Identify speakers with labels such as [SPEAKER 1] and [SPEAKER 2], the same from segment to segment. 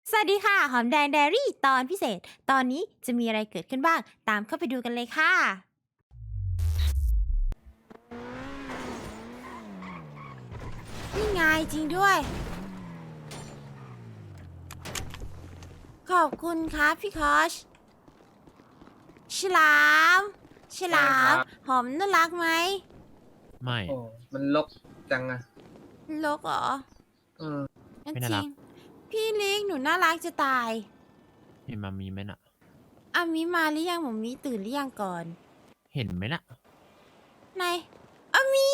[SPEAKER 1] สวัสดีค่ะหอมแดง d ดรี่ตอนพิเศษ ตอนนี้จะมีอะไรเกิดขึ้นบ้างตามเข้าไปดูกันเลยค่ะนี่ไงจริงด้วย ขอบคุณครับพี่คอชฉลามฉลา
[SPEAKER 2] ได้ค
[SPEAKER 1] ม
[SPEAKER 2] รับ
[SPEAKER 1] หอมน่ารักไหม
[SPEAKER 3] ไม่
[SPEAKER 2] โอ้มันลกจังอะ
[SPEAKER 1] โลกเหรอ
[SPEAKER 2] เออ
[SPEAKER 3] ไม่น่ารัก
[SPEAKER 1] จริงพี่ลิกหนูน่ารักจะตาย
[SPEAKER 3] เห็นมามีไหมน่ะ
[SPEAKER 1] อามิมาหรือยังหมอมีตื่นหรือยังก่อน
[SPEAKER 3] เห็นไหมน่ะ
[SPEAKER 1] ไหนอามิ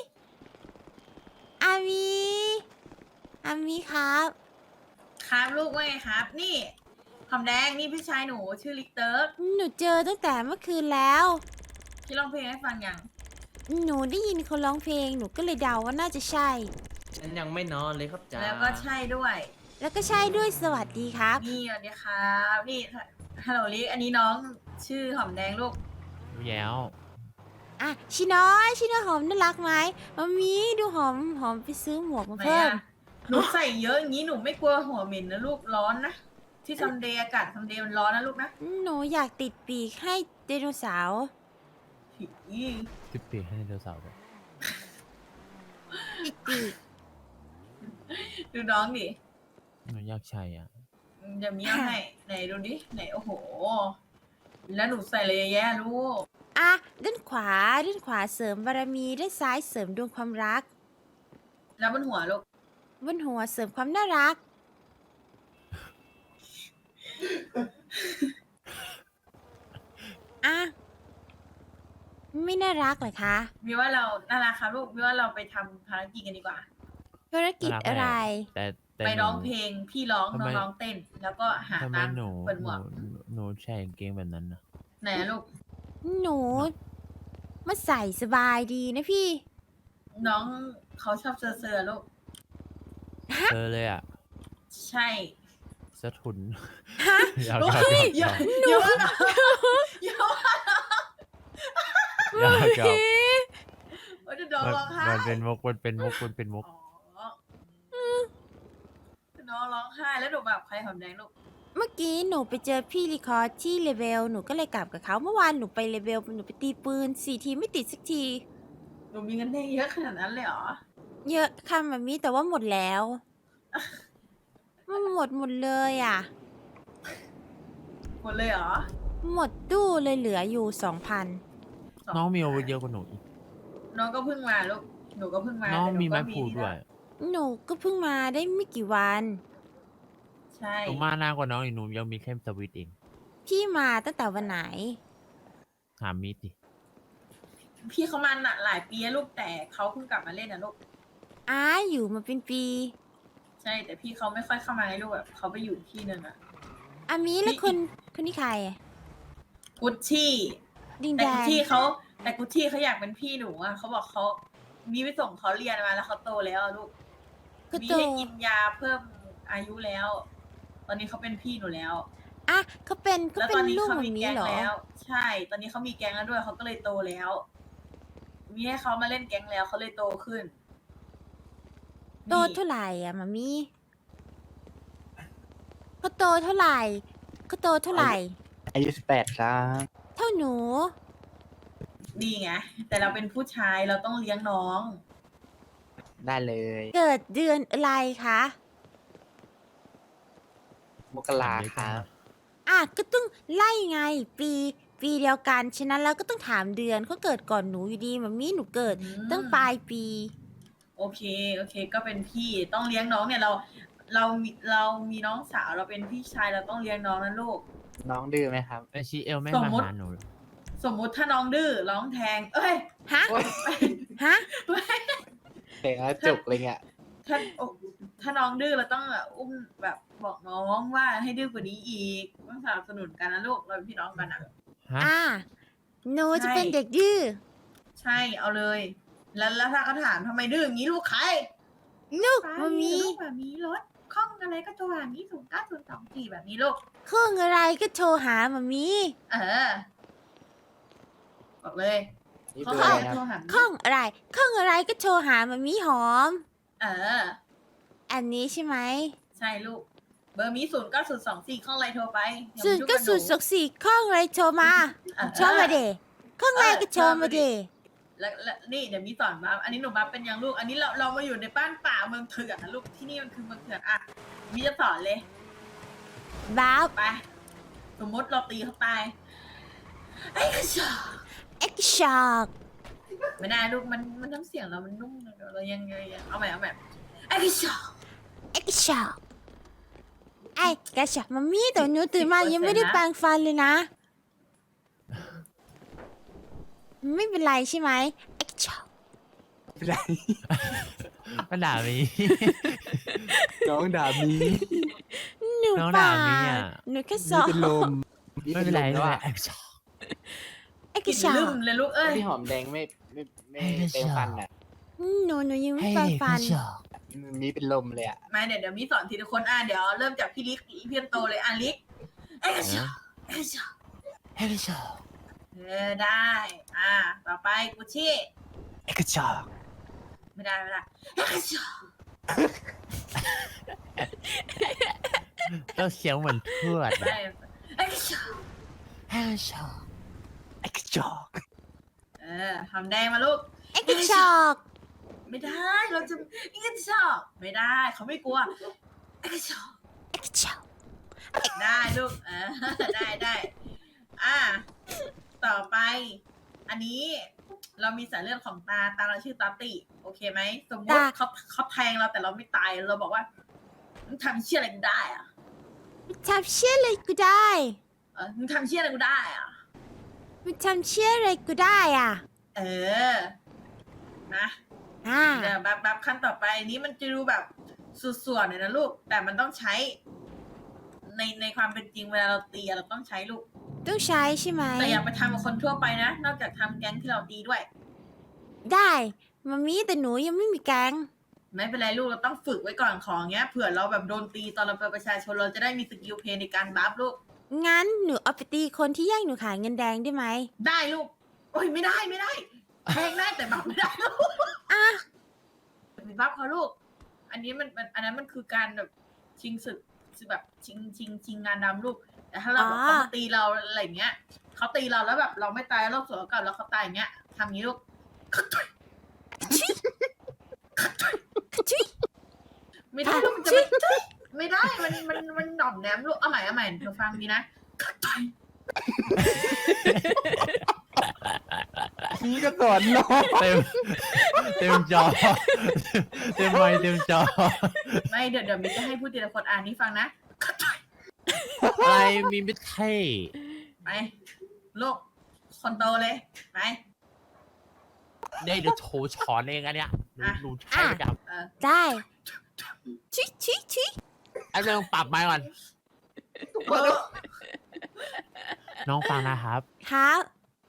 [SPEAKER 1] อามิอามิครับ
[SPEAKER 4] ครับลูกว่าไงครับ นี่หอมแดงนี่พี่ชายหนูชื่อลิกเตอร์
[SPEAKER 1] หนูเจอตั้งแต่เมื่อคืนแล้ว
[SPEAKER 4] พี่ร้องเพลงให้ฟังยัง
[SPEAKER 1] หนูได้ยินคนร้องเพลง หนูก็เลยเดาว่าน่าจะใช่
[SPEAKER 5] ฉันยังไม่นอนเลยครับจ๋า
[SPEAKER 4] แล้วก็ใช่ด้วย
[SPEAKER 1] แล้วก็ใช่ด้วยสวัสดีครับ
[SPEAKER 4] นี่สวัสดีครับนี่ฮัลโหลลิกอันนี้น้องชื่อหอมแดงลูก
[SPEAKER 3] แย้ว
[SPEAKER 1] อ่ะชิน้อยชิน้อยหอมน่ารักไหมมามีดูหอมหอมไปซื้อหมวกมา
[SPEAKER 4] ไหน
[SPEAKER 1] เพิ่ม
[SPEAKER 4] อะหนูใส่เยอะอย่างนี้หนูไม่กลัวหัวเหม็นนะลูกร้อนนะที่ซัมเดย์อากาศซัมเดย์มันร้อนนะลูกนะ
[SPEAKER 1] หนูอยากติดปีกให้ไดโนเสาร์
[SPEAKER 4] ผี
[SPEAKER 3] สิบปีให้ไดโนเสาร์ด้วย
[SPEAKER 1] ติดปีก
[SPEAKER 4] ดูน้องดิ
[SPEAKER 3] หนูอยากใช้อ่ะ
[SPEAKER 4] จะมีเอาให้ไหนดูดิไหนโอ้โห แล้วหนูใส่อะไรเยอะแยะลูก
[SPEAKER 1] อ่ะด้านขวาเสริมบารมีด้านซ้ายเสริมดวงความรัก
[SPEAKER 4] แล้วบนหัวลูก
[SPEAKER 1] บนหัวเสริมความน่ารัก อ่ะไม่น่ารักเหรอคะ
[SPEAKER 4] มีว่าเราน่ารักครับลูกมีว่าเราไปทำภารกิจกันดีกว่า
[SPEAKER 1] ภารกิจ
[SPEAKER 3] น่ารัก
[SPEAKER 1] อะไร
[SPEAKER 3] แต่
[SPEAKER 4] ไป
[SPEAKER 3] หนู
[SPEAKER 4] ร้องเพลงพี่ร้อง
[SPEAKER 3] ทำ
[SPEAKER 4] น้
[SPEAKER 3] ไม
[SPEAKER 4] องร้องเต้น แล้วก็หา
[SPEAKER 3] ทำไม
[SPEAKER 4] ตังค์
[SPEAKER 3] หนู
[SPEAKER 4] เปิดหมวก
[SPEAKER 3] หนูใส่กางเกงแบบนั้นนะ
[SPEAKER 4] ไหนอะลูก
[SPEAKER 1] หนูมาใส่สบายดีนะพี่
[SPEAKER 4] น้องเขาชอบเซอร์ๆลูก
[SPEAKER 3] เจอเลยอ่ะ
[SPEAKER 4] ใช่
[SPEAKER 3] สะทุน
[SPEAKER 1] ฮะ
[SPEAKER 3] ยาว
[SPEAKER 1] โอ้
[SPEAKER 3] ยาวย
[SPEAKER 4] อย่า
[SPEAKER 3] าว
[SPEAKER 4] อย่าว่าน้องอย่าว่า
[SPEAKER 3] ยาวยาว
[SPEAKER 4] ว่าจะน้องร้องไห้
[SPEAKER 3] มันเป็นมุกมันเป็นมุกมันเป็นมุก
[SPEAKER 4] อ๋อน้องร้องไห้แล้วหนูแบบใครหอมแดงลูก
[SPEAKER 1] เมื่อกี้หนูไปเจอพี่รีคอร์ดที่เลเวลหนูก็เลยกลับกับเขาเมื่อวานหนูไปเลเวลหนูไปตีปืน4 ทีไม่ติดสักที
[SPEAKER 4] หนูมีเงินได้เยอะขนาดนั้นเลยเหรอ
[SPEAKER 1] เยอะค่ะแบบนี้แต่ว่าหมดแล้วมันหมดเลยอ่ะ
[SPEAKER 4] หมดเลยเหรอ
[SPEAKER 1] หมดตู้เลยเหลืออยู่ 2,000
[SPEAKER 4] ส
[SPEAKER 3] น้องมีอาวุธเยอะกว่าหนูอีก
[SPEAKER 4] น้องก็เพิ่งมาลูก หนูก็เพิ่งมา
[SPEAKER 3] น้อง
[SPEAKER 4] แต่ห
[SPEAKER 3] มี
[SPEAKER 4] ก็
[SPEAKER 3] ไม้พลูด้วย
[SPEAKER 1] หนูก็เพิ่งมาได้ไม่กี่วัน
[SPEAKER 4] ใช่
[SPEAKER 3] หนูมาหน้ากว่าน้องอีกหนูยังมีแค่สวิตช์เอง
[SPEAKER 1] พี่มาตั้งแต่วันไหน
[SPEAKER 3] หามีดดิ
[SPEAKER 4] พี่เขามาน่ะหลายปีแล้วลูกแต่เขาเพิ่งกลับมาเล่นนะลูก
[SPEAKER 1] อ้าอยู่มาเป็นปี
[SPEAKER 4] ใช่แต่พี่เขาไม่ค่อยเข้ามาให้ลูกแบบเขาไปอยู่ที่นึงอะ
[SPEAKER 1] อามีแล้วคนนี้ใครอะ
[SPEAKER 4] กุชชี่
[SPEAKER 1] ดิง
[SPEAKER 4] แต่
[SPEAKER 1] แด
[SPEAKER 4] กุช
[SPEAKER 1] ง
[SPEAKER 4] ชี่เขาแต่กุชชี่เขาอยากเป็นพี่หนูอะเขาบอกเขามีไปส่งเขาเรียนมาแล้วเขาโตแล้วอะลูก
[SPEAKER 1] ก็
[SPEAKER 4] มี
[SPEAKER 1] โต
[SPEAKER 4] ให้กินยาเพิ่มอายุแล้ว ตอนนี้เขาเป็นพี่หนูแล้ว
[SPEAKER 1] อ่ะเขาเป็น
[SPEAKER 4] แล้วตอนนี้
[SPEAKER 1] ลูก
[SPEAKER 4] เขา
[SPEAKER 1] แบบ
[SPEAKER 4] มี
[SPEAKER 1] นี้
[SPEAKER 4] แก๊ง
[SPEAKER 1] เหรอ
[SPEAKER 4] แล้ว ใช่ ตอนนี้เขามีแก๊งแล้วด้วยเขาก็เลยโตแล้ว มีให้เขามาเล่นแก๊งแล้วเขาเลยโตขึ้น
[SPEAKER 1] โตเท่าไหร่อ่ะมามีเขาโตเท่าไหร่เขาโตเท่าไหร่
[SPEAKER 6] อายุ18ครับ
[SPEAKER 1] เท่าหนู
[SPEAKER 4] นี่ไงแต่เราเป็นผู้ชายเราต้องเลี้ยงน้อง
[SPEAKER 6] ได้เลย
[SPEAKER 1] เกิดเดือนอะไรคะ
[SPEAKER 6] มกราครับ
[SPEAKER 1] อ่ะก็ต้องไล่ไง ปีเดียวกันฉะนั้นแล้วก็ต้องถามเดือนเขาเกิดก่อนหนูอยู่ดีมามีหนูเกิด
[SPEAKER 4] อืม
[SPEAKER 1] ตั้งปลายปี
[SPEAKER 4] โอเค ก็เป็นพี่ต้องเลี้ยงน้องเนี่ยเรามีน้องสาวเราเป็นพี่ชายเราต้องเลี้ยงน้องนะลูก
[SPEAKER 6] น้องดื้อไหมครับ
[SPEAKER 3] ไอชีเอลไม่
[SPEAKER 4] สม
[SPEAKER 3] มา
[SPEAKER 4] มุติ
[SPEAKER 3] หาหนู
[SPEAKER 4] สมมุติถ้าน้องดื้อร้องแทง เอ้ย
[SPEAKER 1] ฮะ ฮะ
[SPEAKER 6] เตะแล้วจุกเลยเนี่ย
[SPEAKER 4] ถ้าน้องดื้อเราต้องแบบอุ้มแบบบอกน้องว่าให้ดื้อกว่านี้อีกต้องสนับสนุนกันนะลูกเราเป็นพี่น้องกันอ่ะ
[SPEAKER 3] ฮะ
[SPEAKER 1] อ่ะหนูจะ
[SPEAKER 4] ใช่
[SPEAKER 1] เป็นเด็กดื้อ
[SPEAKER 4] ใช่เอาเลย แล้วถ้าเขาถามทำไมดื้ออย่างนี้ลูกใคร
[SPEAKER 1] ลูกมามี
[SPEAKER 4] ลูกแบบนี้รถคล่องอะไรก็ตัวแบบนี้090224แบบนี้ลูก
[SPEAKER 1] เครื่องอะไรก็โทรหามามี
[SPEAKER 4] เออบอกเลย
[SPEAKER 6] นี่
[SPEAKER 4] เขา
[SPEAKER 6] เบอ
[SPEAKER 4] หา
[SPEAKER 6] ร์อะไร
[SPEAKER 4] โท
[SPEAKER 6] ค
[SPEAKER 4] ร
[SPEAKER 6] รับ
[SPEAKER 4] หา
[SPEAKER 1] เครื่องอะไรเครื่องอะไรก็โทรหามามีหอม
[SPEAKER 4] เออ
[SPEAKER 1] อันนี้ใช่ไหม
[SPEAKER 4] ใช่ลูกเบอร์มี090224ข้องไรโทรไปเดี๋ยว
[SPEAKER 1] ศู
[SPEAKER 4] มาน
[SPEAKER 1] ย์
[SPEAKER 4] ยุ่ง
[SPEAKER 1] ก็
[SPEAKER 4] บห
[SPEAKER 1] ศูนย์สองสี่ข้องอะไรโทรมาโทรมาเดข้องอะไรก็โทรมาเด
[SPEAKER 4] และนี่เดี๋ยวมีสอนบัฟอันนี้หนูบัฟเป็นยังลูก อันนี้เรามาอยู่ในบ้านป่าเมืองเถื่อนนะลูกที่นี่มันคือเมืองเถื่อนอ่ะมีจะสอนเลย
[SPEAKER 1] บ้า
[SPEAKER 4] ไป สมมติเราตีเขาตายไอ้กระชอก
[SPEAKER 1] เอ็กช็อก
[SPEAKER 4] ไม่ได้ลูกมันน้ำเสียงเรามันนุ่มเรายังเอาใหม่ไอ้กระชอก
[SPEAKER 1] เอ็กช็อกไอ้กระช็อกมามีแต่หนูตื่นมายังไม่ได้แปรงฟันเลยนะ ไม่เป็นไรใช่ไหมเอ็กช็อก
[SPEAKER 6] ไม่ได้
[SPEAKER 3] ก็ด่ามี
[SPEAKER 6] น้องด่ามี
[SPEAKER 1] หนู
[SPEAKER 3] น้อง
[SPEAKER 1] เป
[SPEAKER 3] ด่า
[SPEAKER 1] ล่า
[SPEAKER 3] มีอ่ะ
[SPEAKER 1] หนูแค่ส
[SPEAKER 6] มี
[SPEAKER 1] อบ
[SPEAKER 6] เป็นลม
[SPEAKER 3] ไม่เป็นไร
[SPEAKER 6] แล้ว
[SPEAKER 3] ไม่
[SPEAKER 6] อะ
[SPEAKER 3] เป็นไร
[SPEAKER 1] เอ็ก
[SPEAKER 4] กิน
[SPEAKER 1] ช็อ
[SPEAKER 4] ลื
[SPEAKER 1] ก
[SPEAKER 4] มเลยลูกเอ้ย
[SPEAKER 6] พี่หอมแดงไม่เต็มฟันอ่ะ
[SPEAKER 1] หนูยังไม่แปรงฟัน
[SPEAKER 6] มีเป็นลมเลยอ่ะ
[SPEAKER 4] มาเดี๋ยวมีสอนทีละคนเดี๋ยวเริ่มจากพี่ลิกพี่เพียนโตเลยลิกไอ้กระชอกไอ้กระชอก
[SPEAKER 3] เฮ้ยชอบ
[SPEAKER 4] ได้ต่อไปกุชชี่
[SPEAKER 6] เอกชอก
[SPEAKER 4] ไม่ได้ไอ้กระชอก
[SPEAKER 3] ก็เสียงเหมือนทวด
[SPEAKER 4] ได้ไอ้กระชอก
[SPEAKER 3] เฮ้ยชอบ
[SPEAKER 6] เอกชอก
[SPEAKER 4] ทำแดงมาลูก
[SPEAKER 1] เอ็กช็อก
[SPEAKER 4] ไม่ได้เราจะไอ้กระชอกไม่ได้เขาไม่กลัวไอ้กระชอก
[SPEAKER 1] เอ็กช็อก
[SPEAKER 4] ได้ลูกได้ต่อไป อันนี้เรามีสายเลือดของตาเราชื่อตาติโอเคไหมสมมติเขาแทงเราแต่เราไม่ตายเราบอกว่ามึงทำเชี่ยอะไรกูได้อะ
[SPEAKER 1] ทำเชี่ยอะไรกูได้
[SPEAKER 4] มึงทำเชี่ยอะไรกูได้อะ
[SPEAKER 1] มันทำเชี่ยอะไรกูได้อ่ะ
[SPEAKER 4] นะ เดี๋ยวแบบขั้นต่อไปนี้มันจะดูแบบสุดส่วนเลยนะลูก แต่มันต้องใช้ในความเป็นจริงเวลาเราตีเราต้องใช้ลูก
[SPEAKER 1] ต้องใช้ใช่ไหม
[SPEAKER 4] แต่อย่าไปทำกับคนทั่วไปนะ นอกจากทำแก๊งที่เราตีด้วย
[SPEAKER 1] ได้มามีแต่หนูยังไม่มีแกง
[SPEAKER 4] ไม่เป็นไรลูกเราต้องฝึกไว้ก่อนของเงี้ยเผื่อเราแบบโดนตีตอนเราเป็นประชาชนเราจะได้มีสกิลเพลย์ในการบัฟลูก
[SPEAKER 1] งั้นหนูเอาไปตีคนที่แย่งหนูขายเงินแดงได้ไหม
[SPEAKER 4] ได้ลูก โอ้ยไม่ได้แทงได้แต่บัฟไม่ได้ลูก
[SPEAKER 1] อ่ะ
[SPEAKER 4] มีบัฟเขาลูก อันนี้อันนั้นมันคือการแบบชิงศึกแบบชิงงานดำลูก แต่ถ้าเราแบบเขามาตีเราอะไรเงี้ยเขาตีเราแล้วแบบเราไม่ตายเราสวนกลับแล้วเขาตายอย่างเงี้ยทำงี้ลูก
[SPEAKER 1] ชุย
[SPEAKER 4] ไม่ได้ลูกมันจะไม่ได้มันหน่อมแนมลูกเอาใหม่เธอฟังดีนะ
[SPEAKER 6] พี่ก็สอนน้อง
[SPEAKER 3] เต็มจอ เต็มไมค์เต็มจอ
[SPEAKER 4] ไม่เดี๋ยวมิจะให้พูดทีละคนอ่านนี่ฟังนะ
[SPEAKER 3] อะไรมีไม่เท่
[SPEAKER 4] ไปลูกคนโตเลยไป
[SPEAKER 3] ได้เดี๋ยวโชว์ช้อนเองอันเนี้ยดูใช่จับ
[SPEAKER 1] ได้ชุย
[SPEAKER 3] ไอ้เรื่องปรับไมค์ก่อน
[SPEAKER 4] เออ
[SPEAKER 3] น้องฟังนะครับ
[SPEAKER 1] ครับ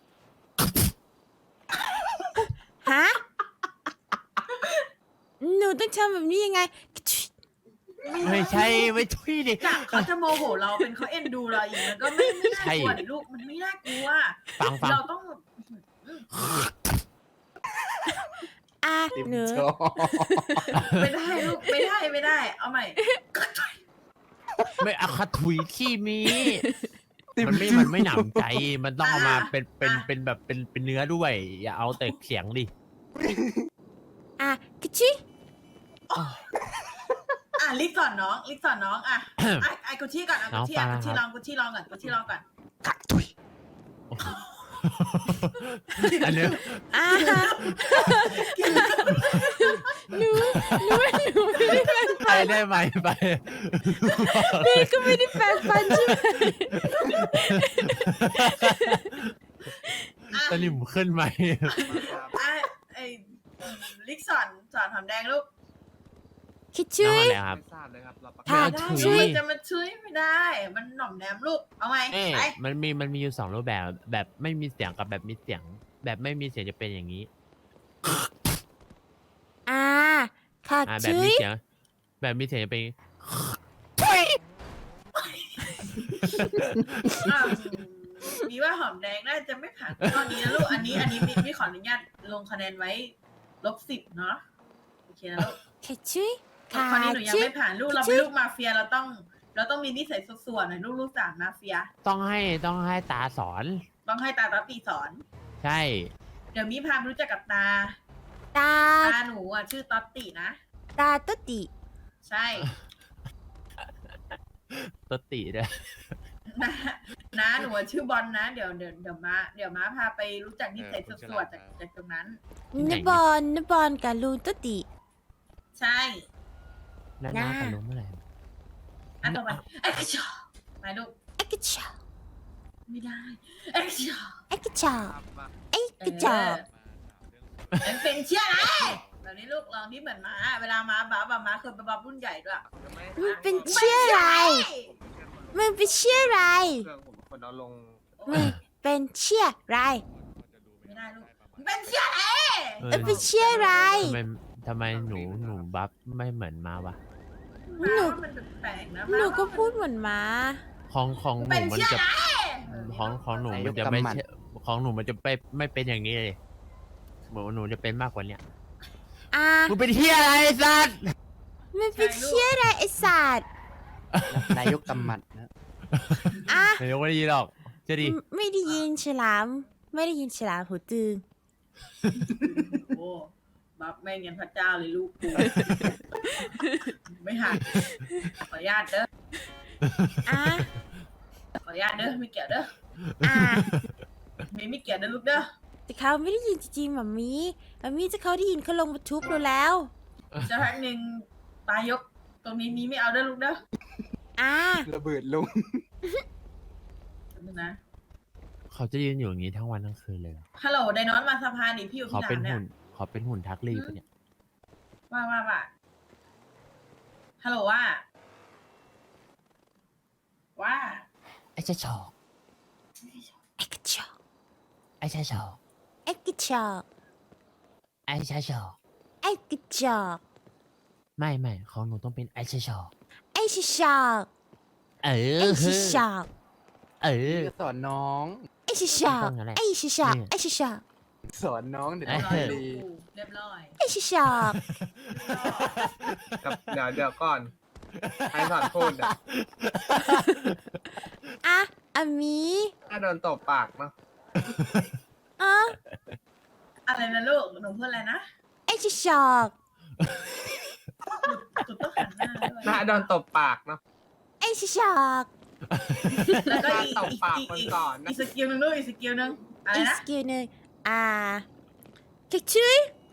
[SPEAKER 1] ฮะหนูต้องทำแบบนี้ยังไง
[SPEAKER 3] ไม่ใช่ไม่ช่วยดิ
[SPEAKER 4] จากเขาจะโมโหเราเป็นเขาเอ็นดูเราอีกมันก็ไม่น่ากลัวดิลูกมันไม่น่ากลัว
[SPEAKER 3] ฟัง
[SPEAKER 4] เราต้อง
[SPEAKER 1] อ่ะ
[SPEAKER 6] ติม
[SPEAKER 1] หนู
[SPEAKER 6] ชอก
[SPEAKER 4] ไม่ได้ลูกไม่ได้ เอาใหม่
[SPEAKER 3] ไม่อาคาถุยขี้มีมันไม่หนำใจ มันต้องเอามาเป็นแบบเป็นเนื้อด้วย อย่าเอาแต่เสียงดิ
[SPEAKER 1] อ่ะกะชุย
[SPEAKER 4] ลิกสอนน้องไอ้กุชชี่ก่อนกุชชี่ลองก่อน
[SPEAKER 6] กักตุย
[SPEAKER 3] อันเนี้ย
[SPEAKER 1] อ่ะหนูไม่ได้แปรงฟัน
[SPEAKER 3] ไปได้ไหมไป
[SPEAKER 1] พี่ก็ไม่ได้แปรงฟันใช่ไหม
[SPEAKER 3] ตอนนี้ผมขึ้นไหม
[SPEAKER 4] ไอ้ลิกสอนหอมแดงลูก
[SPEAKER 1] คิด
[SPEAKER 3] น้
[SPEAKER 1] ชุ
[SPEAKER 3] อง
[SPEAKER 1] ย
[SPEAKER 3] อะไรครับ
[SPEAKER 2] ไม่ทราบเลยครับเราประ
[SPEAKER 1] ค่ะ
[SPEAKER 2] กาศ
[SPEAKER 3] ถุย
[SPEAKER 4] ช่วยจะมาช่วยไม่ได้ มันหน่อมแนมลูก เอาไหม
[SPEAKER 3] เอ๊ะ
[SPEAKER 4] ไป
[SPEAKER 3] มันมีอยู่2รูปแบบแบบไม่มีเสียงกับแบบมีเสียง แบบไม่มีเสียงจะเป็นอย่างนี้
[SPEAKER 1] อ่าค่ะ
[SPEAKER 3] แบบ
[SPEAKER 1] ชุ
[SPEAKER 3] มี
[SPEAKER 1] ย
[SPEAKER 3] เสียง แบบมีเสียงจะเป็น
[SPEAKER 4] มีว่าหอมแดงน่าจะไม่ผ่านข้อนี้นะลูก อันนี้มีขออนุญาตลงคะแนนไว้-10เนาะโอเคนะลูก
[SPEAKER 1] ค่ะชุยค่ะ
[SPEAKER 4] ข้อนี้หนูยัง
[SPEAKER 1] ชุย
[SPEAKER 4] ไม่ผ่านลูกเราเป็นลูกมาเฟียเราต้องเราต้องมีนิสัยส่วนๆหน่อยลูกสามมาเฟีย
[SPEAKER 3] ต้องให้ตาสอน
[SPEAKER 4] ต้องให้ตาตาตีสอน
[SPEAKER 3] ใช่
[SPEAKER 4] เดี๋ยวมีพาไปรู้จักกับตา
[SPEAKER 1] ตา
[SPEAKER 4] ตาหนูอ่ะชื่อต๊อตตินะ
[SPEAKER 1] ตาตุติ
[SPEAKER 4] ใช่
[SPEAKER 3] ตติเลย
[SPEAKER 4] นะหนูอะชื่อบอลนะ เดี๋ยวม้าพาไปรู้จักนิสัยส่วนๆจากตรงนั้น
[SPEAKER 1] นบอลกับลุงตุติ
[SPEAKER 4] ใช่
[SPEAKER 3] แล้วน้ากับลุงเมื่อไหร่
[SPEAKER 4] อันต่อไปไอ้กระจอกไปลูก
[SPEAKER 1] เอ็กซ์ชอ
[SPEAKER 4] ไม่ได้ไอ้กระจอก
[SPEAKER 1] เอ็กซ์ชอเอ็กซ์ชอ
[SPEAKER 4] มันเป็นเชื่ออะไรแบบนี้ลูกลองที่เหมือนม้าเวลาม้าม้าเคยไปบับรุ่นใหญ่ด้วย
[SPEAKER 1] มันเป็นเชื่ออะไรมันเป็นเชื่ออะไร
[SPEAKER 2] เครื่องผมคนเอาลง
[SPEAKER 1] มันเป็นเชื่ออะไร
[SPEAKER 4] ไม่ได้ลูกมันเป็นเชื่ออะไร
[SPEAKER 1] มันเป็นเชื่ออะไร
[SPEAKER 3] ทำไมหนูบัฟไม่เหมือนมาวะ
[SPEAKER 4] ม้าว่ามันแปลกๆนะ
[SPEAKER 1] หนูก็พูดเหมือนม้า
[SPEAKER 3] ของหนู
[SPEAKER 4] เป็น
[SPEAKER 3] มัน
[SPEAKER 4] เชื่อ
[SPEAKER 3] จะ
[SPEAKER 4] อะไร
[SPEAKER 3] ของหนูมันจะไม่ใช่ของหนูมันจะไม่เป็นอย่างนี้เลยเหมือนว่าหนูจะเป็นมากกว่าเนี้ย
[SPEAKER 1] อ่ะ
[SPEAKER 3] มึงเป็นเฮียอะไรไอ้สัส
[SPEAKER 1] มันเป็นเชื่ออะไรไอ้สัตว์
[SPEAKER 6] นายกกำมัดนะ
[SPEAKER 1] อ่ะ
[SPEAKER 3] เดี๋ยวไม่ได้ยินหรอกจะดี
[SPEAKER 1] ไม่ได้ยินฉลาม ไม่ได้ยินฉลามหูตึง
[SPEAKER 4] โอ้บับแม่งยันพระเจ้าเลยลูกกูไม่หักขออนุญาตเด้อ
[SPEAKER 1] อ่ะ
[SPEAKER 4] ขออนุญาตเด้อไม่เกี่ยวเด้อ
[SPEAKER 1] อ่ะ
[SPEAKER 4] ไม่เกี่ยวเด้อลูกเด้อ
[SPEAKER 1] แต่เขาไม่ได้ยินจริงๆหมามีจะเขาได้ยินเขาลงมาทุบเราแล้ว
[SPEAKER 4] จะพักหนึ่งตายกตรงนี้มีไม่เอาเด้อลูกเด้อ
[SPEAKER 1] อ่ะ
[SPEAKER 6] ระเบิดลง
[SPEAKER 4] แป๊บนึงนะ
[SPEAKER 3] เขาจะยืนอยู่อย่างนี้ทั้งวันทั้งคืนเลยเหรอ
[SPEAKER 4] ฮัลโหลไดนอนมาสะพานดิพี่อยู่
[SPEAKER 3] เขา
[SPEAKER 4] ที่
[SPEAKER 3] เป็น
[SPEAKER 4] ถามเนี่ย
[SPEAKER 3] หุ่นเขาเป็นหุ่นทักลีปะเนี่ย
[SPEAKER 4] ว่าฮัลโหลว่า
[SPEAKER 3] ไอ้เจ้าชอก
[SPEAKER 1] เอ็กซ์ชอ
[SPEAKER 3] ไอ้เจ้าชอก
[SPEAKER 1] เอ็กซ์ชอ
[SPEAKER 3] ไอ้เจ้าชอก
[SPEAKER 1] เอ็กซ์ชอ
[SPEAKER 3] ไม่ของหนูต้องเป็นไอ้เจ้าชอก
[SPEAKER 1] เอ็กซ์ชอ
[SPEAKER 3] เอ
[SPEAKER 1] เอ็
[SPEAKER 3] อก
[SPEAKER 1] ซ์ชอ
[SPEAKER 3] เออ
[SPEAKER 6] สอนน้อง
[SPEAKER 1] เอ็กซ์ชอ
[SPEAKER 3] ต้องอย่างนั้นแหละ
[SPEAKER 1] เอ็กซ์ชอเอ็กซ์ชอ
[SPEAKER 6] สอนน้องเดี๋ยว
[SPEAKER 3] เอ้
[SPEAKER 6] น้อง
[SPEAKER 3] ย
[SPEAKER 6] ดี
[SPEAKER 4] เรียบร้อย
[SPEAKER 1] เอ็กซ์ชอ
[SPEAKER 2] กับเดี๋ยวก่อนใครสอนพูดอ่ะ
[SPEAKER 1] อ่ะอามี
[SPEAKER 2] ถ้าโดนตบปากเนาะ
[SPEAKER 1] อ่ะ
[SPEAKER 4] อะไรนะลูกหนูพูดอะไรนะ
[SPEAKER 1] เอ็กซ์ชอ
[SPEAKER 4] จุดต้องหันหน้าด้วย
[SPEAKER 2] ถ้าโดนตบปากเนาะ
[SPEAKER 1] เอ็กซ์ชอ
[SPEAKER 4] แล้วก็อี
[SPEAKER 2] ตบปากคนก่อนนะ
[SPEAKER 4] อีกสกิลหนึงลูกอีกสกิลหนึงอะไร
[SPEAKER 1] อีก
[SPEAKER 4] นะ
[SPEAKER 1] สกิลหนึ่งอ่ะเค้กชื่อ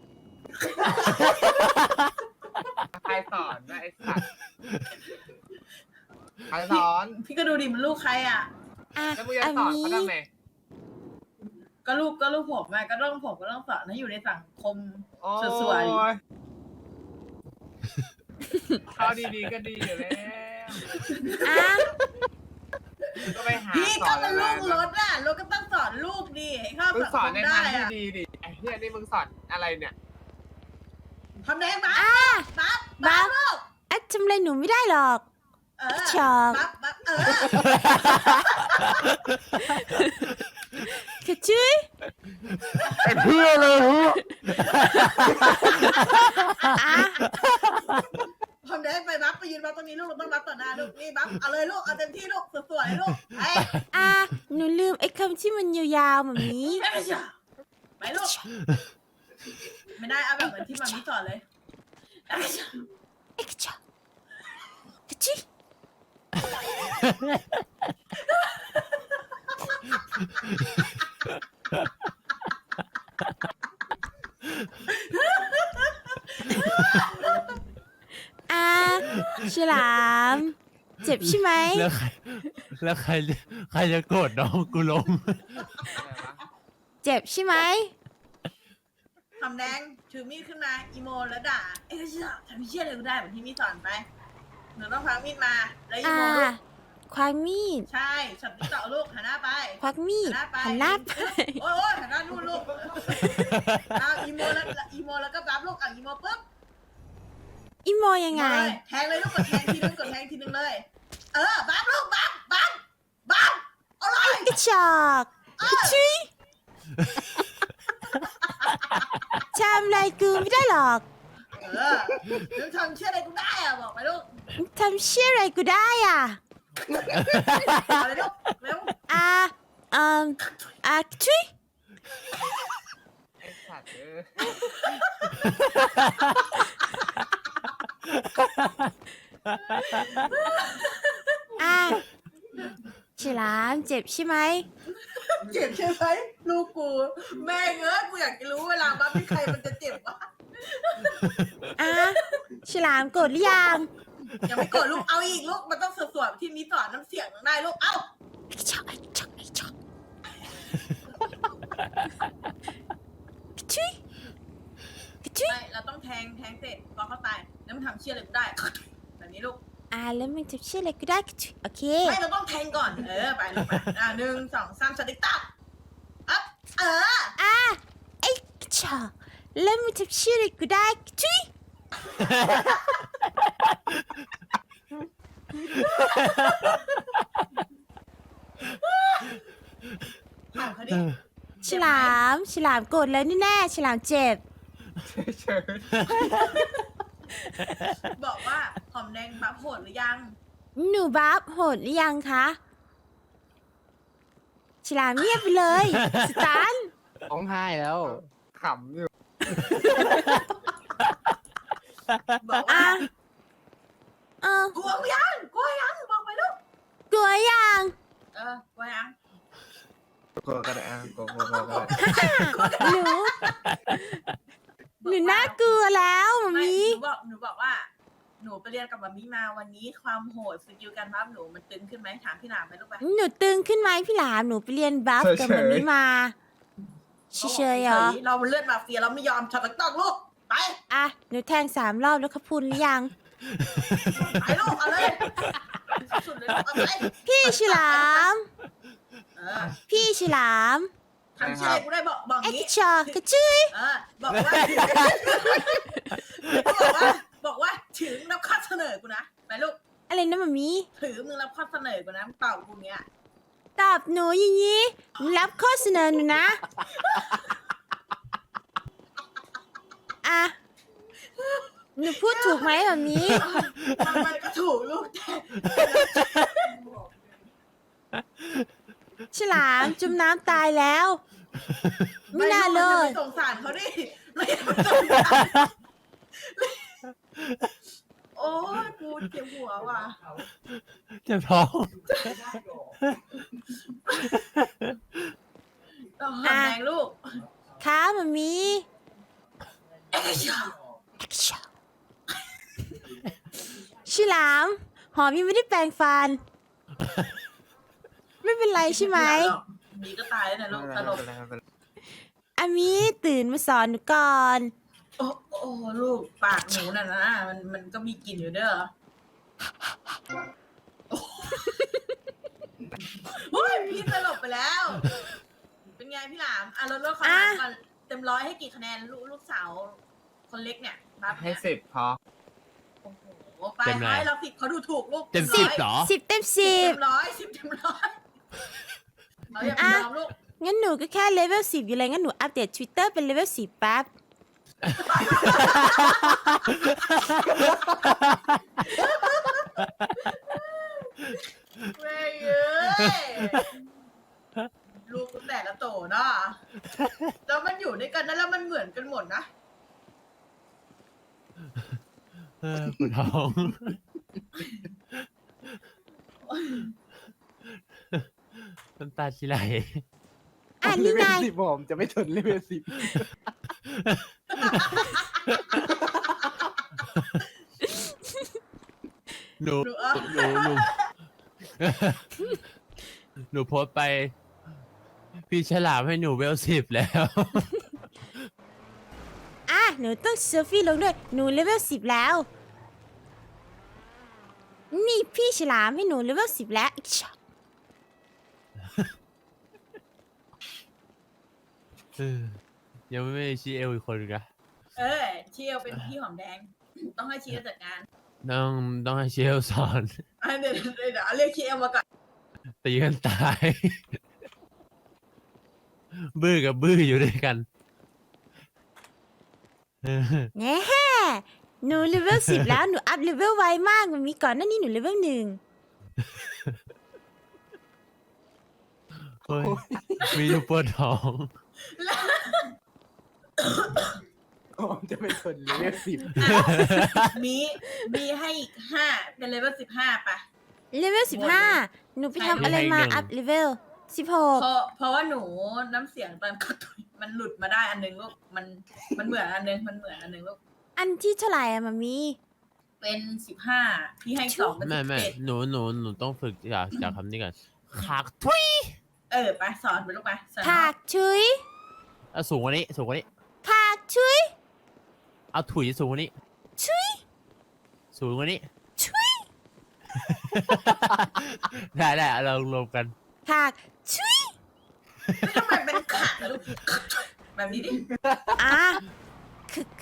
[SPEAKER 2] ใครสอนนะไอ้สัตว์ใครสอน
[SPEAKER 4] พี่ก็ดูดิมันลูกใครอ่ะ
[SPEAKER 1] อ่ะ
[SPEAKER 2] แล้วมึงจะ
[SPEAKER 1] อา
[SPEAKER 2] สอน
[SPEAKER 1] มี
[SPEAKER 2] เขาทำไม
[SPEAKER 4] ก็ลูกผมอะก็ต้องผมก็ต้องสอนให้อยู่ในสังคม
[SPEAKER 2] โอ้
[SPEAKER 4] สวย
[SPEAKER 2] ยเขาดีๆก็ดีอยู่แล้ว
[SPEAKER 1] อ่ะ
[SPEAKER 2] ก็ไปหา
[SPEAKER 4] พี่
[SPEAKER 2] ส
[SPEAKER 4] ก็
[SPEAKER 2] อน
[SPEAKER 4] เป็น
[SPEAKER 2] อะไร
[SPEAKER 4] ลูกรถอ่ะรถก็ต้องสอนลูกดิให้เข้า
[SPEAKER 2] มึง
[SPEAKER 4] สัง
[SPEAKER 2] ส
[SPEAKER 4] ค
[SPEAKER 2] อน
[SPEAKER 4] ม
[SPEAKER 2] ใน
[SPEAKER 4] ได้
[SPEAKER 2] ทางที่
[SPEAKER 4] อ่ะ
[SPEAKER 2] ดีดิไอ้เหี้ยนี่มึงสอนอะไรเนี่ย
[SPEAKER 4] ทำแดงบัฟ
[SPEAKER 1] อ่ะ
[SPEAKER 4] บัฟ
[SPEAKER 1] บัฟ
[SPEAKER 4] ลูก
[SPEAKER 1] อ่ะทำอะไรหนูไม่ได้หรอก
[SPEAKER 4] เออ
[SPEAKER 1] ชอบ
[SPEAKER 4] บัฟ
[SPEAKER 1] เค้กชื่อ
[SPEAKER 6] ไอ้เพื่อเลยฮะ
[SPEAKER 1] อ่ะ
[SPEAKER 4] ทำแดงไปบัฟไปยืนบัฟตรงนี้ลูกเราต้องบัฟต่อหน้าลูกนี่บัฟเอาเลยลูกเอาเต็มที่ลูกสวยๆลูกไป
[SPEAKER 1] อ่ะหนูลืมไอ้คำที่มันยาวๆหมามี
[SPEAKER 4] ไปลูกไม่ได้เอาแบบเหมือนที่มามิสอนเลย
[SPEAKER 1] เอ็กซ์ชอเค้กชื่ออ่ะฉลาม เจ็บใช่ไหม
[SPEAKER 3] แล้วใครจะโกรธน้องกูลง
[SPEAKER 2] อะไรวะ
[SPEAKER 1] เจ็บใช่ไหม
[SPEAKER 4] ทำแดงถือมีดขึ้นมาอีโมแล้วด่าเอ้ยทำเชี่ยอะไรก็ได้เหมือนที่มีสอนไปหนูต้องพักมีดมาแล้วอี
[SPEAKER 1] อ่ะ
[SPEAKER 4] โมลูก
[SPEAKER 1] ควักมีด
[SPEAKER 4] ใช่ช็อตที่ต่อลูกหันหน้าไป
[SPEAKER 1] ควักมีด
[SPEAKER 4] หันหน้าไป
[SPEAKER 1] หันหน้าไป
[SPEAKER 4] โอ้ยหันหน้านู่นลูกเอาอีโมแล้วก็บัฟลูกเอาอีโมปุ๊บ
[SPEAKER 1] อีโมยังไง
[SPEAKER 4] เลยแทงเลยลูกกดแทงทีนึงกดแทงทีนึงเลย บัฟลูกบัฟเอาเลย
[SPEAKER 1] กระชอกกระชุยทำอะไรกูไม่ได้หรอก
[SPEAKER 4] นึกทำเชื่ออะไรกูได้อะบอกไปลูก
[SPEAKER 1] ทำเชี่ยอะไรกูได้อ่ะ
[SPEAKER 4] อะไรลูกเร็ว
[SPEAKER 1] ทุย
[SPEAKER 2] ไอ้สัตว์
[SPEAKER 1] ฉลามเจ็บใช่ไหม
[SPEAKER 4] เจ็บใช่ไหมลูกกูแม่เงอะกูอยากจะรู้เวลาบ้าพี่ใครมันจะเจ็บวะ
[SPEAKER 1] ฉลามโกรธหรือยัง
[SPEAKER 4] ยังไม่โกรธลูกเอาอีกลูกมันต้องสวดๆที่นี้สอนน้ำเสียงได้ลูกเอ้า
[SPEAKER 1] ไอ้ช็อกทุย
[SPEAKER 4] ไม่เราต้องแทงเสร็จพอเขาตายแล้วมันทำเชี่ยอะไรกูได้ แบบนี้ลูก
[SPEAKER 1] แล้วมึงจะเชี่ยอะไรกูได้ทุยโอเค
[SPEAKER 4] ไม่เราต้องแทงก่อนไปลูกไป1 2 3สติ๊กตับอัพ
[SPEAKER 1] ไอ้ช็อกแล้วมึงจะเชี่ยอะไรกูได้ทุย
[SPEAKER 4] เอาเขาดิ
[SPEAKER 1] ฉลามโกรธแล้วนี่แน่ฉลามเจ็บ
[SPEAKER 2] เชิญ
[SPEAKER 4] บอกว่าหอมแดงบัฟโหดหรือยัง
[SPEAKER 1] หนูบัฟโหดหรือยังคะฉลามเงียบไปเลยสตัน
[SPEAKER 6] ร้องไห้แล้ว
[SPEAKER 2] ขำอยู่
[SPEAKER 4] บอกว่า
[SPEAKER 1] อ่ะ
[SPEAKER 4] กลัวยังบอกไปลูก
[SPEAKER 1] กลัวยัง
[SPEAKER 4] กลัวยัง
[SPEAKER 2] กลัวก็ได้กลัวก็ได้
[SPEAKER 1] หนูน่ากลัวแล้วมา
[SPEAKER 4] ไม่
[SPEAKER 1] มี
[SPEAKER 4] หนูบอกว่า หนูไปเรียนกับมามิมาวันนี้ความโหดสกิลการบัฟหนูมันตึงขึ้นไหมถามพี่หนามไหมลูกไป
[SPEAKER 1] หนูตึงขึ้นไหมพี่หลามหนูไปเรียนบัฟกับมามีมาเฉยๆเหรอ
[SPEAKER 4] เราเลือดมาเฟียเราไม่ยอมช็อตต้องลูกไป
[SPEAKER 1] หนูแทง3 รอบแล้วขพุนหรือยัง
[SPEAKER 4] ไปลูกเอาเลยสุดเลยลูกเอาไป
[SPEAKER 1] พี่ฉลาม พี่ฉลาม
[SPEAKER 4] ทำเชื่อกูได้บอก
[SPEAKER 1] ไอ้
[SPEAKER 4] นี้
[SPEAKER 1] กระชอกกระจุย
[SPEAKER 4] บอกว่าถึงรับข้อเสนอกูนะไปลูก
[SPEAKER 1] อะไรนะมามี
[SPEAKER 4] ถือมึงรับข้อเสนอกูนะมึงตอบกูเนี้ย
[SPEAKER 1] ตอบหนูอย่างนี้หนูรับข้อเสนอหนูนะหนูพูดถูกไหมแบบนี้
[SPEAKER 4] มันก็ถูกลูกแต่
[SPEAKER 1] ฉลามจมน้ำตายแล้ว ไม่น่าเลย
[SPEAKER 4] สงสารเขาดิไม่สงสารโอ้ยกูเจ็บหัวว่ะ
[SPEAKER 3] เจ็บท้อง
[SPEAKER 4] ต้องหอมแดงลูก
[SPEAKER 1] ค่ะมามีฉลามหอมยังไม่ได้แปรงฟัน ไม่เป็นไรใช่ไหม
[SPEAKER 4] มีก็ตายแล้วนะลูกตลก
[SPEAKER 1] อามีตื่นมาสอนหนูก่อน
[SPEAKER 4] โอ้ลูกปากหนูน่ะนะมันก็มีกลิ่นอยู่เด้อโอ้ยพี่ตลกไปแล้ว เป็นไงพี่หลามลดคะแนนก่อนเต็ม100ให้กี่คะแนนลูกสาวคนเล็กเนี่ยบัฟ
[SPEAKER 2] ให้
[SPEAKER 4] เนี่ย
[SPEAKER 2] 10พอ
[SPEAKER 4] โอ้โหไปให้เรา10เขาดูถูกลูก
[SPEAKER 3] เต็ม
[SPEAKER 1] สิบ
[SPEAKER 3] 10เหรอ
[SPEAKER 1] 10 เต็ม
[SPEAKER 4] เต็
[SPEAKER 1] 10
[SPEAKER 4] ม10เต็ม100เราอย่าไปยอมลูก
[SPEAKER 1] งั้นหนูก็แค่เลเวล10อยู่เลยงั้นหนูอัปเดต Twitter เป็นเลเวล10แป๊บ
[SPEAKER 4] แม่เอ้ยลูกแต่ละโตเนาะแล้วมันอยู่ด้วยกันนะแล้วมันเหมือนกันหมดนะ
[SPEAKER 3] ปวดท้องน้ำตาชิไหล
[SPEAKER 1] นี่ไง
[SPEAKER 6] เลเวล10ผมจะไม่ทนเลเวล10
[SPEAKER 3] หนูหนูโพสต์ไป พี่ฉลามให้หนูเวล10แล้ว
[SPEAKER 1] หนูต้องเซลฟี่ลงด้วย หนูเลเวล10แล้ว นี่พี่ฉลามให้หนูเลเวล10แล้วอีกช็อต
[SPEAKER 3] ยังไม่ได้ชี้เอลอีกคนนึงนะ
[SPEAKER 4] เชียวเป็นพี่หอมแดง ต้องให้เชียวจัดการ
[SPEAKER 3] ต้องให้เชลสอน
[SPEAKER 4] เดี๋ยวเรียกเชียวมาก่อน
[SPEAKER 3] ตีกันตาย บื้อกับบื้ออยู่ด้วยกัน
[SPEAKER 1] แน่หนูเลเวล10แล้วหนูอัพเลเวลไวมากมันมีก่อนหน้านี้หนูเลเวล1
[SPEAKER 3] เฮ้ยมีลูกปวดท้อง
[SPEAKER 6] ผมจะไม่ทนเลเวล10
[SPEAKER 4] มีให้อีก5เป็นเลเวล15ป่ะ
[SPEAKER 1] เลเวล15หนูไปทำอะไรมาอัพเลเวล
[SPEAKER 4] เพราะว่าหนูน้ำเสียงตอนกดตุยมันหลุดมาได้อันนึงลูกมันเหมือนอันนึงลูก
[SPEAKER 1] อันที่เท่าไหร่อะมามี
[SPEAKER 4] เป็น15พี่ให้2เป็น
[SPEAKER 3] ไม่
[SPEAKER 4] 11
[SPEAKER 3] หนูต้องฝึกจากคำนี้ก่อนขากทุย
[SPEAKER 4] ไปสอนไปลูกไปสอน
[SPEAKER 1] ผากชุย
[SPEAKER 3] เอาสูงกว่านี้
[SPEAKER 1] ผากชุย
[SPEAKER 3] เอาถุยสูงกว่านี้
[SPEAKER 1] ชุย
[SPEAKER 3] สูงกว่านี้
[SPEAKER 1] ชุย
[SPEAKER 3] ได้เรารวมกัน
[SPEAKER 1] ผากชุย
[SPEAKER 4] ทำไมเป็นขาลูกแบบนี้ดิ
[SPEAKER 1] อ่ะคึก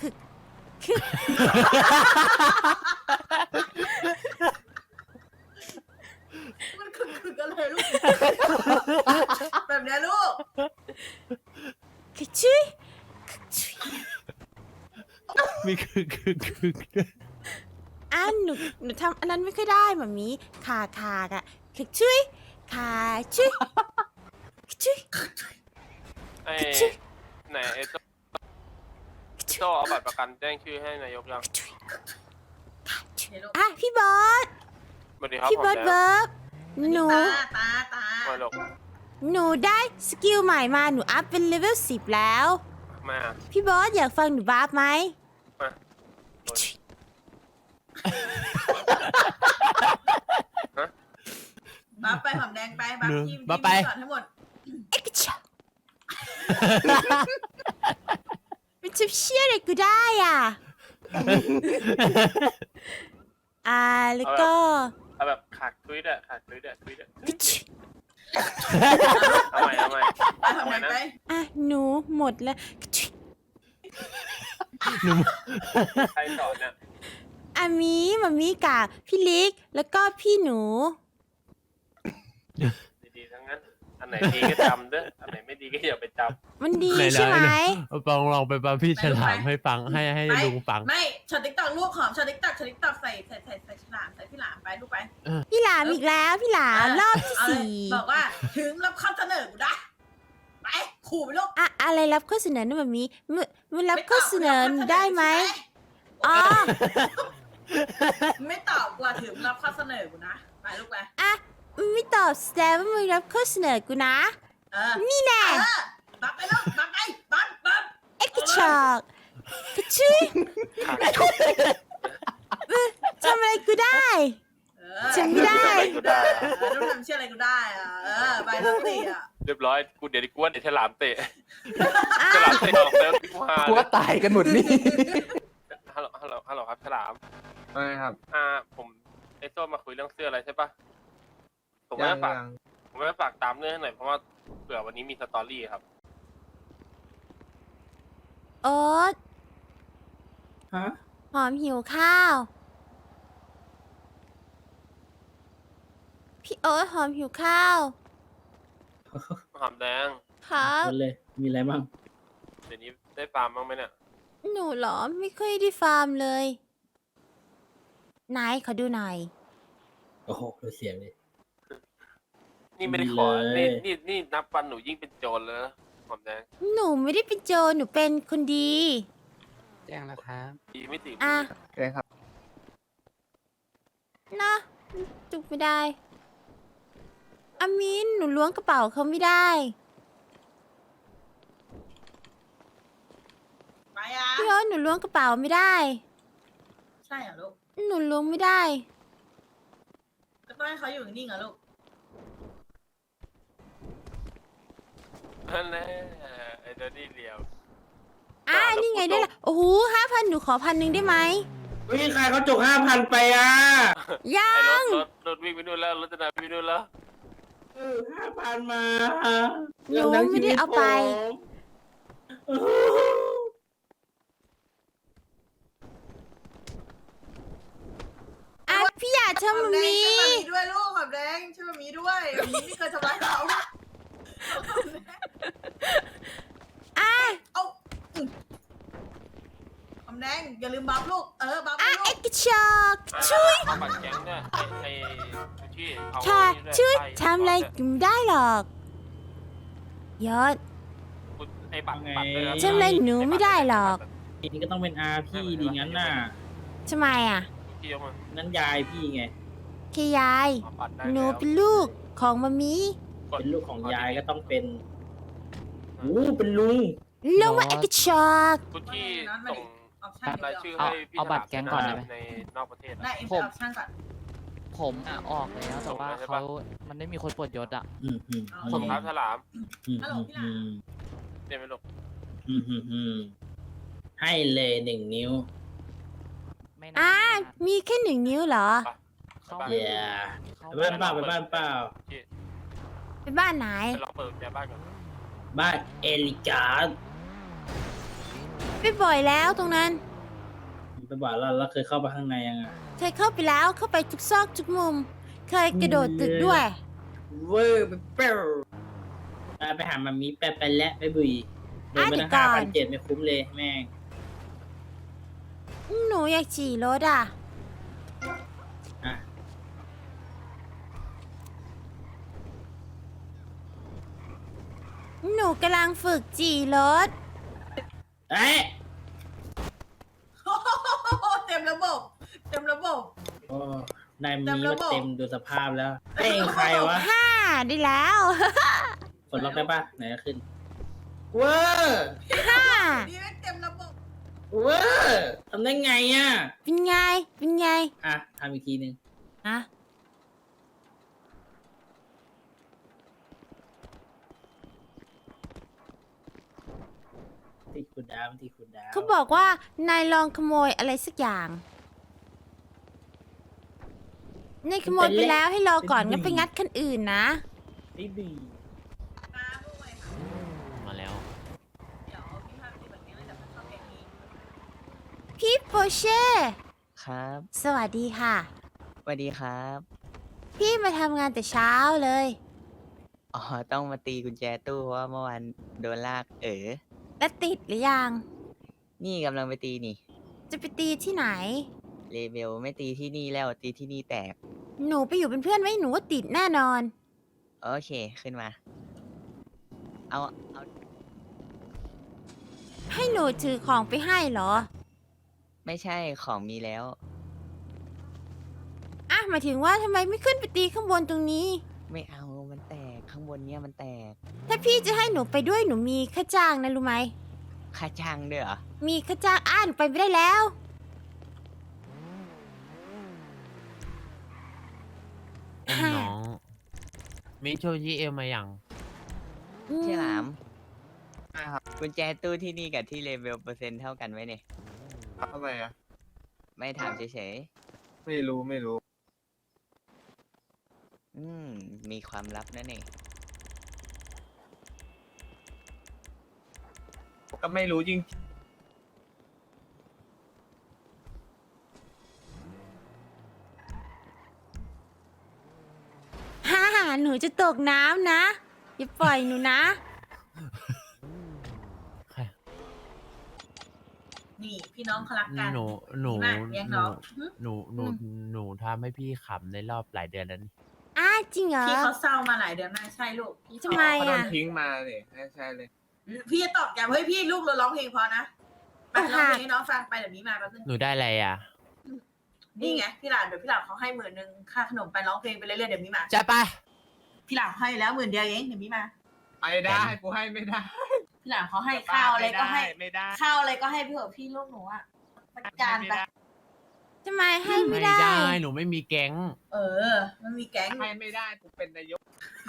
[SPEAKER 4] มันคือกันเลยลูกแบบเนี้ยลูก
[SPEAKER 1] คึกชุยคึกชุย
[SPEAKER 3] มีคือ
[SPEAKER 1] อ่ะหนูทำอันนั้นไม่ค่อยได้มามีขากอะคึกชุยขาชุยคึกชุย
[SPEAKER 7] ไอ้
[SPEAKER 1] คึกชุย
[SPEAKER 7] ไหนไอ้โจ
[SPEAKER 1] คึกชุย
[SPEAKER 7] โจเอาบัตรประกันแจ้งชื่อให้นายกยัง
[SPEAKER 1] คึกชุยขาชุย
[SPEAKER 4] เห็นลูก
[SPEAKER 1] อ่ะพี่บอส
[SPEAKER 7] สวัสดีครับ
[SPEAKER 1] พี่
[SPEAKER 7] ผม
[SPEAKER 1] บอส
[SPEAKER 7] แดง
[SPEAKER 1] เวิร์กหนู
[SPEAKER 4] ตา
[SPEAKER 7] มาลูก
[SPEAKER 1] หนูได้สกิลใหม่มาหนูอัพเป็นเลเวล10แล้ว
[SPEAKER 7] มา
[SPEAKER 1] พี่บอสอยากฟังหนูบาฟไหม
[SPEAKER 7] มาฮะ
[SPEAKER 4] บัฟไปหอมแดงไปบัฟทีม
[SPEAKER 3] บัฟไป
[SPEAKER 4] ก่อนทั้งหมด
[SPEAKER 1] เอ็กซ์ชามันจะเชื่ออะไรกูได้อ่ะ แล้วก็
[SPEAKER 7] เอาแบบขากทวิตอะทวิต
[SPEAKER 1] กระชุย
[SPEAKER 7] เอาใหม่
[SPEAKER 4] ไปหอมแดงไป
[SPEAKER 1] หนูหมดแล้วกระชุย
[SPEAKER 7] ใครสอนเนี่ย
[SPEAKER 1] มามีกับพี่ลิกแล้วก็พี่หนู
[SPEAKER 7] ดีๆทั้งนั้น อันไหนดีก็จำเด้ออันไหนไม่ดีก็อย่าไปจ
[SPEAKER 1] มันดี
[SPEAKER 3] ไหนๆ
[SPEAKER 1] ใช่ไหม
[SPEAKER 3] ลองไปฟังพี่ฉลามให้ฟังให้ลุงฟัง
[SPEAKER 4] ไม่ช็อตติ๊กตอกลูกหอมช็อตติ๊กตอกใส่ฉลามใส่พี่หลามไปลูกไป
[SPEAKER 1] พี่หลามอีกแล้วพี่หลามรอบที่
[SPEAKER 4] เอาเลย
[SPEAKER 1] 4
[SPEAKER 4] บอกว่าถึงรับข้อเสนอกูได้ไปขู่ไปลูก
[SPEAKER 1] อะไรรับข้อเสนอนะมามีมันรับข้อเสนอหนูได้ไหมอ๋อ
[SPEAKER 4] ไม่ตอบกว่าถึงรับข้อเสนอกูนะไปลูกไป
[SPEAKER 1] ไม่ตอบแสดงว่ามึงรับข้อเสนอกูนะ นี่แน่
[SPEAKER 4] บัฟไปลูกบัฟไปบัฟ
[SPEAKER 1] เอ็กซ์ชอกกระชุย
[SPEAKER 7] ำขากทุย
[SPEAKER 1] ทำอะไรกูได้ ฉันไม่ได้
[SPEAKER 7] กูได้
[SPEAKER 4] ต้องทำเชื่ออะไรกูได้ไปสักทีอ่ะ
[SPEAKER 7] เรียบร้อยกูเดี๋ยวกูว่าเดี๋ยวฉลามเตะฉลามเตะออกแล้วกูหาก
[SPEAKER 6] ลัวตายกันหมดนี่
[SPEAKER 7] ฮัลโหลครับฉลาม
[SPEAKER 2] อะไรครับ
[SPEAKER 7] ผมไอ้โจมาคุยเรื่องเสื้ออะไรใช่ปะผม
[SPEAKER 2] ยั
[SPEAKER 7] ไม่
[SPEAKER 2] ง
[SPEAKER 7] ฝาก
[SPEAKER 2] ยัง
[SPEAKER 7] ผมไม่ฝากตามเรื่องให้หน่อยเพราะว่าเผื่อวันนี้มีสตอรี่ครับ
[SPEAKER 1] โอ๊ต
[SPEAKER 6] ฮะ
[SPEAKER 1] หอมหิวข้าว พี่โอ๊ตหอมหิวข้าว
[SPEAKER 7] หอมแดง
[SPEAKER 1] ครับ
[SPEAKER 5] เลย มีอะไรบ้าง
[SPEAKER 7] เดี๋ยวนี้ได้ฟาร์มบ้างไหมเนี่ย
[SPEAKER 1] หนูเหรอไม่ค่อยได้ฟาร์มเลยไหนขอดูหน่อย
[SPEAKER 5] โอ้โหดูเสียงเลย
[SPEAKER 7] นี่ไม่ได้ขอ
[SPEAKER 5] เลย
[SPEAKER 7] นี่นับวันหนูยิ่งเป็นโจรเลยนะหอมแดง
[SPEAKER 1] หนูไม่ได้เป็นโจรหนูเป็นคนดี
[SPEAKER 6] แจ้งแล้วครับ
[SPEAKER 7] ดีไม่ติด
[SPEAKER 1] อ่ะ
[SPEAKER 2] โอเคครับ
[SPEAKER 1] นะจุกไม่ได้อามินหนูล้วงกระเป๋าเขาไม่ได้
[SPEAKER 4] ไปอ่ะ
[SPEAKER 1] พี่โอ๊ตหนูล้วงกระเป๋าไม่ได้
[SPEAKER 4] ใช่เหรอลูก
[SPEAKER 1] หนูล้วงไม่ได้
[SPEAKER 4] ก็ต้องให้เขาอยู่นิ่งๆเหรอลูก
[SPEAKER 7] นั่นแหละไอ้เจ้านี่เหลียว
[SPEAKER 1] นี่ไงได้ละโอ้โห5,000หนูขอ1,000ได้ไหม
[SPEAKER 5] เฮ้ยใครเขาจก5,000 ไปอ่ะ
[SPEAKER 1] ยั
[SPEAKER 7] ไอ้
[SPEAKER 1] ง
[SPEAKER 7] รถวิ่งไปนู่นแล้วรถจะนำไปนู่นแล้ว
[SPEAKER 5] 5,000 มา
[SPEAKER 1] หนูไม่ได้เอาไป พี่อยากทำ
[SPEAKER 4] หอ
[SPEAKER 1] มั
[SPEAKER 4] ม
[SPEAKER 1] น
[SPEAKER 4] แดง
[SPEAKER 1] มี
[SPEAKER 4] ช่วยแบบนี้ด้วยลูกหอมแดงช่วยแบบนี้ด้วยแบบนี้ไม่เคยทำร้ายเขา เอาหอมแดแดงอย่าลืมบัฟลูกบัฟ
[SPEAKER 1] อ่ะ
[SPEAKER 4] ลู
[SPEAKER 1] ไอ้
[SPEAKER 4] ก
[SPEAKER 1] กระชอกช่วย
[SPEAKER 7] เอาบัตรแก๊งเนี่ยไอ้ที่เอา
[SPEAKER 1] ค่ะ
[SPEAKER 7] นี่ด้
[SPEAKER 1] ช่วย
[SPEAKER 7] ไป
[SPEAKER 1] ทำอะไรไม่ได้หรอกยอด
[SPEAKER 7] ไอ้บัตรด้วยนะ
[SPEAKER 1] ทำอะไรหนูไม่ได้หรอก
[SPEAKER 5] นี่ก็ต้องเป็นอาพี่ดีงั้นน่ะ
[SPEAKER 1] ทำไมอ่ะ
[SPEAKER 7] พี่ยกมา
[SPEAKER 5] นั่นยายพี่ไง
[SPEAKER 1] แค่ยาย
[SPEAKER 7] เอาบัตรได้
[SPEAKER 1] หนู
[SPEAKER 7] แล้ว
[SPEAKER 1] เป็นลูกของมามี
[SPEAKER 5] เป็นลูกของยายก็ต้องเป็นโอ้เป็นลุง
[SPEAKER 1] ลงว่าไอ้กระชอก
[SPEAKER 7] คุณที่ส่ง
[SPEAKER 4] ออกช่าง
[SPEAKER 7] ราย
[SPEAKER 4] เดี๋
[SPEAKER 7] ชื่
[SPEAKER 4] ย
[SPEAKER 7] อ
[SPEAKER 4] ว
[SPEAKER 7] ให้พี่
[SPEAKER 6] เอาบัตรแก๊งก่อนได้ไหม
[SPEAKER 7] ในนอกประเทศ
[SPEAKER 4] ได้
[SPEAKER 7] อะ
[SPEAKER 4] เอ็ม
[SPEAKER 6] ผม
[SPEAKER 4] ออกช่างก่อน
[SPEAKER 6] ผมอ่ะออกแล้วแต่ว่า
[SPEAKER 7] ส่งมาใช่ปะ
[SPEAKER 6] เขามันไม่มีคนปลดยศอ่ะ
[SPEAKER 5] อืมอืม
[SPEAKER 7] ส่งครับฉลาม
[SPEAKER 5] อืม
[SPEAKER 4] ฮัลโหลพี่หลาน
[SPEAKER 7] เดี๋ยวไม่ลง
[SPEAKER 5] ให้เลย1 นิ้ว
[SPEAKER 6] ไม่
[SPEAKER 1] อ่ะ
[SPEAKER 6] นาน
[SPEAKER 1] มีแค่1 นิ้วเหรอ
[SPEAKER 6] เขา
[SPEAKER 7] ไป
[SPEAKER 5] เย้
[SPEAKER 6] เขา
[SPEAKER 5] ไปบ้านเปล่าไปบ้านเปล่า
[SPEAKER 1] ไปบ้านไหน
[SPEAKER 7] ไปลองเปิดกุญแจบ้านก่อน
[SPEAKER 5] บ้านเอลิกา
[SPEAKER 1] ไปบ่อยแล้วตรงนั้น
[SPEAKER 5] ไปบอกเราเคยเข้าไปข้างในยังไง
[SPEAKER 1] เคยเข้าไปแล้วเข้าไปทุกซอกทุกมุม เคยกระโดดตึกด้วย
[SPEAKER 5] เวอร์ไปเปรี้ยวไปหามามีไปแล้วไปบุยเดินไปตั้ง
[SPEAKER 1] อ่ะเดี๋ยวก่อน
[SPEAKER 5] 5,700ไม่คุ้มเลยแม่ง
[SPEAKER 1] หนูอยากขี่รถอ่ะ
[SPEAKER 5] อ่ะ
[SPEAKER 1] หนูกำลังฝึกจี่รถ
[SPEAKER 5] เอ๊ะ
[SPEAKER 4] เต็มระบบ เต็มระบบ
[SPEAKER 5] โอ้นายมี
[SPEAKER 4] เต็มระ
[SPEAKER 5] ว่า
[SPEAKER 4] บบ
[SPEAKER 5] เต็มดูสภาพแล้วเอ้ยใครวะ
[SPEAKER 1] 5 ได้แล้ว
[SPEAKER 5] กดล็อกได้ปะไหนจะขึ้นเวอร์
[SPEAKER 1] 5
[SPEAKER 4] นี่ไม่เต็มระบบ
[SPEAKER 5] เวอร์ทำได้ไงอ่ะ
[SPEAKER 1] เป็นไง เป็นไง
[SPEAKER 5] อ่ะทำอีกทีหนึ่ง
[SPEAKER 1] อะ
[SPEAKER 5] ที่คุณดาวที่คุณดาว
[SPEAKER 1] เขาบอกว่านายลองขโมยอะไรสักอย่างนายขโมยไปแล้วให้รอก่อนงั้นไปงัดคันอื่นนะ
[SPEAKER 5] ไม่ดี
[SPEAKER 4] มาด้วยค่ะ
[SPEAKER 3] มาแล้ว
[SPEAKER 4] เดี๋ยวพี่พาไปตีแบบนี้แล้วเดี๋ยวมันเข้าเพลงนี้
[SPEAKER 1] พี่โปเช่
[SPEAKER 8] ครับ
[SPEAKER 1] สวัสดีค่ะ
[SPEAKER 8] สวัสดีครับ
[SPEAKER 1] พี่มาทำงานแต่เช้าเลย
[SPEAKER 8] อ๋อ ต้องมาตีกุญแจตู้เพราะว่าเมื่อวานโดนลาก
[SPEAKER 1] แล้วติดหรือยัง
[SPEAKER 8] นี่กำลังไปตีนี่
[SPEAKER 1] จะไปตีที่ไหน
[SPEAKER 8] เลเบลไม่ตีที่นี่แล้วตีที่นี่แตก
[SPEAKER 1] หนูไปอยู่เป็นเพื่อนไว้หนูว่าติดแน่นอน
[SPEAKER 8] โอเค ขึ้นมา เอา
[SPEAKER 1] ให้หนูถือของไปให้เหรอ
[SPEAKER 8] ไม่ใช่ของมีแล้ว
[SPEAKER 1] อ่ะหมายถึงว่าทำไมไม่ขึ้นไปตีข้างบนตรงนี้
[SPEAKER 8] ไม่เอา มันแตก ข้างบนเนี้ยมันแตก
[SPEAKER 1] ถ้าพี่จะให้หนูไปด้วยหนูมีค่าจ้างนะรู้ไหม
[SPEAKER 8] ค่าจ้างด้วยเหรอ
[SPEAKER 1] มีค่าจ้างหนูไปไม่ได้แล้ว
[SPEAKER 3] อุ้มน้อง มีโชว์ยีเอลมาอย่าง
[SPEAKER 1] อืม
[SPEAKER 8] ใช่หลามกุญแจตู้ที่นี่กับที่เลเบลเปอร์เซ็นต์เท่ากันไหมเนี่ย
[SPEAKER 2] ทำไมอ่ะ
[SPEAKER 8] ไม่ถามเฉย
[SPEAKER 2] ไม่รู้
[SPEAKER 8] ๆ มีความลับนะเนี่ย
[SPEAKER 2] ก็ไม่รู้จริง
[SPEAKER 1] ฮ่าหนูจะตกน้ำนะ อย่าปล่อยหนูนะ
[SPEAKER 4] นี่พี่น้องเขารักกัน
[SPEAKER 3] หนู
[SPEAKER 4] ดีมากเลี้ยงน้อง
[SPEAKER 3] หนูทำให้พี่ขำในรอบหลายเดือนแล้วนี่
[SPEAKER 1] จริงเหรอ
[SPEAKER 4] พี่เขาเศร้ามาหลายเดือนมากใช่ลูกพี่
[SPEAKER 1] ทำไม
[SPEAKER 2] เขาโด
[SPEAKER 1] อ่ะ
[SPEAKER 2] นทิ้งมาเนี่ยใช่เลย
[SPEAKER 4] พี่จะตอบย้ำเฮ้ยพี่ลูกเราร้องเพลงพอนะไปร้องเพลงให้น้องฟังไปเดี๋ยวนี้มาแป๊บนึง
[SPEAKER 3] หนูได้อะไรอ่ะ
[SPEAKER 4] นี่ไงพี่หลานเดี๋ยวพี่หลานเขาให้10,000ค่าขนมไปร้องเพลงไปเรื่อยๆเดี๋ยวนี้มา
[SPEAKER 3] จะไป
[SPEAKER 4] พี่หลานให้แล้ว10,000เดียวเองเดี๋ยวนี้มา
[SPEAKER 2] ไปได้กูให้ไม่ได้
[SPEAKER 4] พี่หลานเขาให้ข้าวอะไรก็ให้
[SPEAKER 2] ไม่ได้
[SPEAKER 4] ข้าวอะไรก็ให้พี่เถอะพี่ลูกหนูอ่ะประจานไป
[SPEAKER 1] ทำไมให้ไม่
[SPEAKER 3] ไม่
[SPEAKER 1] ได้
[SPEAKER 3] ได้ หนูไม่มีแก๊ง
[SPEAKER 4] มันมีแก๊ง
[SPEAKER 2] ให้ไม่ได้กูเป็นนายก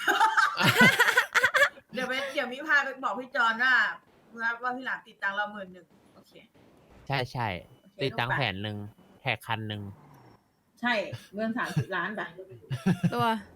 [SPEAKER 4] เดี๋ยวมิพาไปบอกพี่จอนว่าพี่หลานติดตังค์เรา10,000โอเค
[SPEAKER 3] ใช่ใช่
[SPEAKER 4] โอเค
[SPEAKER 3] ติดตังค์
[SPEAKER 4] ลูกไป
[SPEAKER 3] 100,000แท็ก1,000
[SPEAKER 4] ใช่เงิน30 ล้านไป
[SPEAKER 1] ตัว